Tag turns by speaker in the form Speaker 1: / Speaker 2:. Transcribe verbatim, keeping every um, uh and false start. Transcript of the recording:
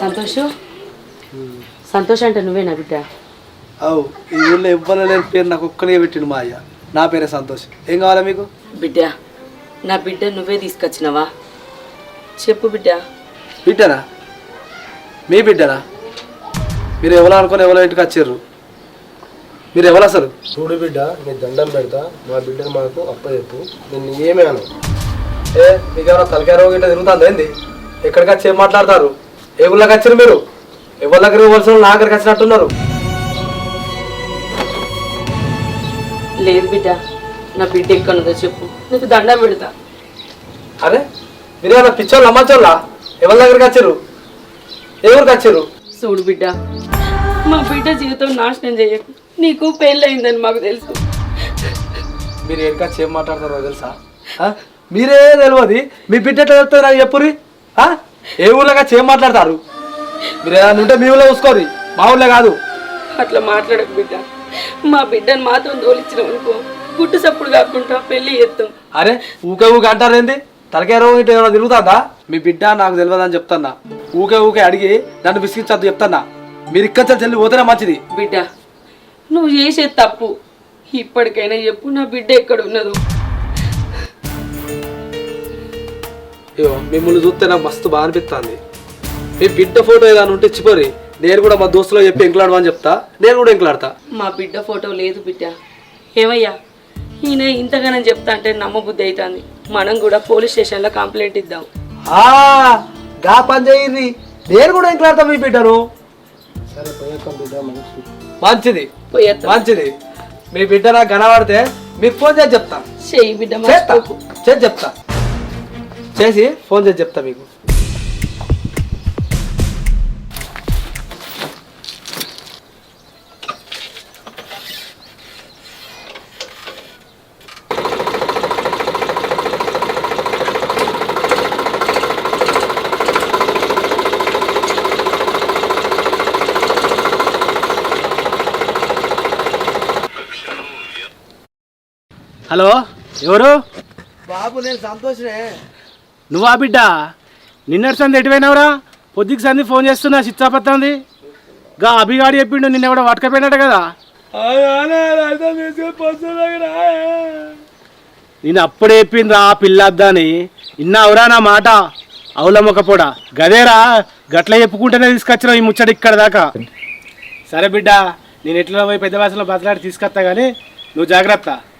Speaker 1: సంతోష్ సంతోష్ అంటే నువ్వేనా బిడ్డ?
Speaker 2: అవు ఈ ఊళ్ళో ఎవ్వరు లేని పేరు నాకు ఒక్కనే పెట్టిండు మా అయ్య. నా పేరే సంతోష్. ఏం కావాలా మీకు?
Speaker 1: బిడ్డ నా బిడ్డ నువ్వే తీసుకొచ్చినావా? చెప్పు బిడ్డ.
Speaker 2: బిడ్డనా? మీ బిడ్డనా? మీరు ఎవరు అనుకుని ఎవరో ఇంటికి వచ్చారు? మీరు ఎవరు అసలు?
Speaker 3: చూడు బిడ్డ, నీ దండం పెడతా, మా బిడ్డను మాకు అప్ప చెప్పు, నేను ఏమే అను.
Speaker 2: ఏ మీకెవరో తలకాయ రోగం ఇట్లా తిరుగుతుంది ఏంది? ఎక్కడికి వచ్చి ఏం మాట్లాడతారు? ఏ ఊళ్ళకి వచ్చారు మీరు? ఎవరి దగ్గర ఇవ్వాల్సిన నా దగ్గరికి వచ్చినట్టున్నారు.
Speaker 1: లేదు బిడ్డ, నా బిడ్డ ఎక్కడుందో చెప్పు, నీకు దండం పెడతా.
Speaker 2: అరే మీరు ఏమన్నా పిచ్చోళ్ళు అమ్మచ్చోళ్ళా? ఎవరి దగ్గరికి వచ్చారు? ఏ ఊరికి వచ్చారు?
Speaker 1: చూడు బిడ్డ, మా బిడ్డ జీవితం నాశనం చేయకు. నీకు పెళ్ళయిందని మాకు తెలుసు.
Speaker 2: మీరు ఎక్కడికి వచ్చి ఏం మాట్లాడతారో తెలుసా? మీరే తెలియదు, మీ బిడ్డ ఎట్లా తెలుస్తుంది నాకు చెప్పురి. ఏ ఊళ్ళకి వచ్చి ఏం మాట్లాడతారు? మీరు ఏదైనా ఉంటే మీ ఊళ్ళో చూసుకోరు, మా ఊళ్ళో కాదు.
Speaker 1: అట్లా మాట్లాడకు బిడ్డ. మా బిడ్డను మాత్రం తోలిచ్చినాం అనుకో, గుట్టు సప్పుడు కాకుండా పెళ్లి చేస్తాం.
Speaker 2: అరే ఊకే ఊకే అంటారు ఏంది? తలకాయ రోగం ఇట్లా ఏమైనా తిరుగుతుందా? మీ బిడ్డ నాకు తెలియదని చెప్తాన్నా. ఊకే ఊకే అడిగి నన్ను విసిగించద్దు చెప్తాన్నా. మీరు ఇక్కడ చెల్లి పోతేనే మంచిది.
Speaker 1: బిడ్డ నువ్వు చేసేది తప్పు. ఇప్పటికైనా చెప్పు, నా బిడ్డ ఎక్కడ ఉన్నదో.
Speaker 2: అయ్యో మిమ్మల్ని చూస్తే నాకు మస్తు బాగా అనిపిస్తుంది. మీ బిడ్డ ఫోటో ఏదైనా ఉంటే ఇచ్చిపోరి, నేను కూడా మా దోస్తులో చెప్పి ఎంకలాడమని చెప్తా. నేను కూడా ఎంకలాడతా.
Speaker 1: మా బిడ్డ ఫోటో లేదు బిడ్డ. ఏమయ్యా ఈయన ఇంతగానని చెప్తా అంటే నమ్మబుద్ధి అవుతుంది. మనం కూడా పోలీస్ స్టేషన్లో కంప్లైంట్ ఇద్దాం.
Speaker 2: గా పని చేయండి, నేను కూడా ఎంకలాడతా మీ బిడ్డను.
Speaker 3: సరే పోయేస్తాం బిడ్డ,
Speaker 2: మంచిది
Speaker 1: పోయేస్తా.
Speaker 2: మంచిది. మీ బిడ్డ నాకు కనబడితే మీకు ఫోన్ చేసి చెప్తా.
Speaker 1: చెయ్యి బిడ్డ,
Speaker 2: చేసి చెప్తా. చేసి ఫోన్ చేసి చెప్తా మీకు.
Speaker 4: హలో, ఎవరు?
Speaker 2: బాబు నేను సంతోషనే.
Speaker 4: నువ్వా బిడ్డ? నిన్నటి సంది ఎటువైనావురా? పొద్దుకి సంది ఫోన్ చేస్తున్నా, చిచ్చాపత్తంది. గా అభిగాడి చెప్పిండు నిన్న ఎవడో పట్టుకపోయినట్టు కదా. నేను అప్పుడే చెప్పిండ్రా పిల్లద్దని, ఇన్నావురా నా మాట? అవులమ్మకపోడా గదేరా, గట్ల చెప్పుకుంటేనే తీసుకొచ్చినావు ఈ ముచ్చట ఇక్కడ దాకా. సరే బిడ్డ, నేను ఎట్లా పోయి పెద్ద భాషలో బతలాడి తీసుకొస్తా కానీ నువ్వు జాగ్రత్త.